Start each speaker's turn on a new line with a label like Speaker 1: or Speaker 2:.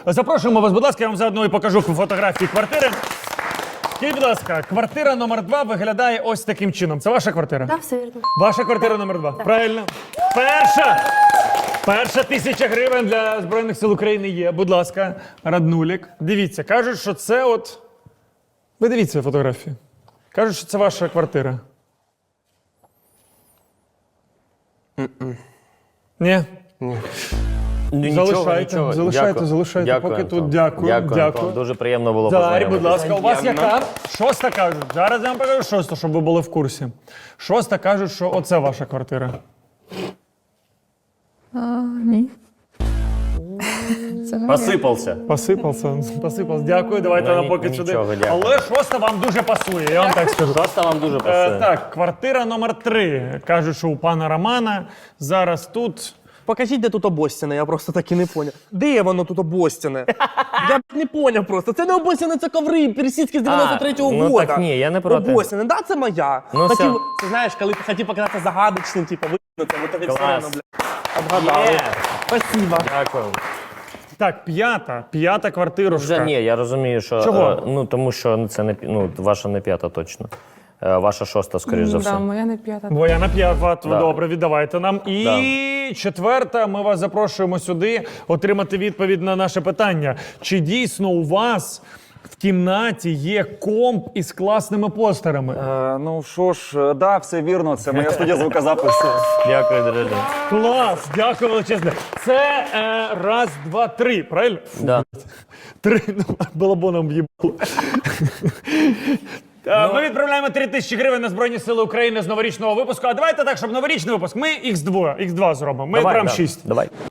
Speaker 1: Запрошуємо вас, будь ласка, я вам заодно і покажу фотографії квартири. Скажіть, будь ласка, квартира номер 2 виглядає ось таким чином. Це ваша квартира?
Speaker 2: Так, все вірно.
Speaker 1: Ваша квартира номер 2. Правильно. Перша 1000 гривень для Збройних сил України є. Будь ласка, Раднулік. Дивіться, кажуть, що це от... Ви дивіться фотографію. Кажуть, що це ваша квартира. Ні? Залишайте.
Speaker 3: Дякую,
Speaker 1: Поки тут
Speaker 3: Антон.
Speaker 1: дякую.
Speaker 3: Антон. Дуже приємно було
Speaker 1: Дарі,
Speaker 3: познайомитися.
Speaker 1: будь ласка, у вас яка? Шоста кажуть. Зараз я вам покажу шосту, щоб ви були в курсі. Шоста кажуть, що оце ваша квартира.
Speaker 4: Ні.
Speaker 3: Посипався.
Speaker 1: Посипався. Дякую, давайте
Speaker 3: Ну,
Speaker 1: нам поки
Speaker 3: нічого,
Speaker 1: сюди.
Speaker 3: дякую.
Speaker 1: Але шоста вам дуже пасує, я вам так скажу.
Speaker 3: Просто вам дуже пасує.
Speaker 1: Так, квартира номер 3. Кажуть, що у пана Романа зараз тут...
Speaker 5: Покажіть, де тут обостяне, я просто так і не поняв. Де воно тут обостяне? Я б не поняв просто. Це не обостяне, це коври персидські з 93-го
Speaker 3: ну
Speaker 5: года.
Speaker 3: так ні, я не проти.
Speaker 5: Обостяне, да, це моя.
Speaker 3: Ну,
Speaker 5: хотів,
Speaker 3: все.
Speaker 5: ти знаєш, коли ти хотів показати загадочним, типу, вигнути, вот тобі все
Speaker 3: Клас.
Speaker 5: одно, бля, обгадали.
Speaker 3: Є.
Speaker 5: Спасибо.
Speaker 3: Дякую.
Speaker 1: Так, п'ята квартирушка.
Speaker 3: Вже ні, я розумію, що...
Speaker 1: Чого?
Speaker 3: Ну, тому що це не, ваша не 5 точно. Ваша 6, скоріш за все.
Speaker 4: Да, моя не 5.
Speaker 1: Твоя на 5,
Speaker 3: Да.
Speaker 1: добре, віддавайте нам. І 4, ми вас запрошуємо сюди отримати відповідь на наше питання. Чи дійсно у вас в кімнаті є комп із класними постерами?
Speaker 6: Ну що ж, да, все вірно, це моя студія звукозапису.
Speaker 3: Дякую, друже.
Speaker 1: Клас! Дякую величезне. Це раз, два, три, правильно?
Speaker 3: Да.
Speaker 1: 3, балабоном в'їбало. Ми відправляємо 3000 гривень на Збройні Сили України з новорічного випуску. А давайте так, щоб новорічний випуск, ми X2 зробимо. Ми
Speaker 3: Давай,
Speaker 1: прям
Speaker 3: да.
Speaker 1: 6.
Speaker 3: Давай.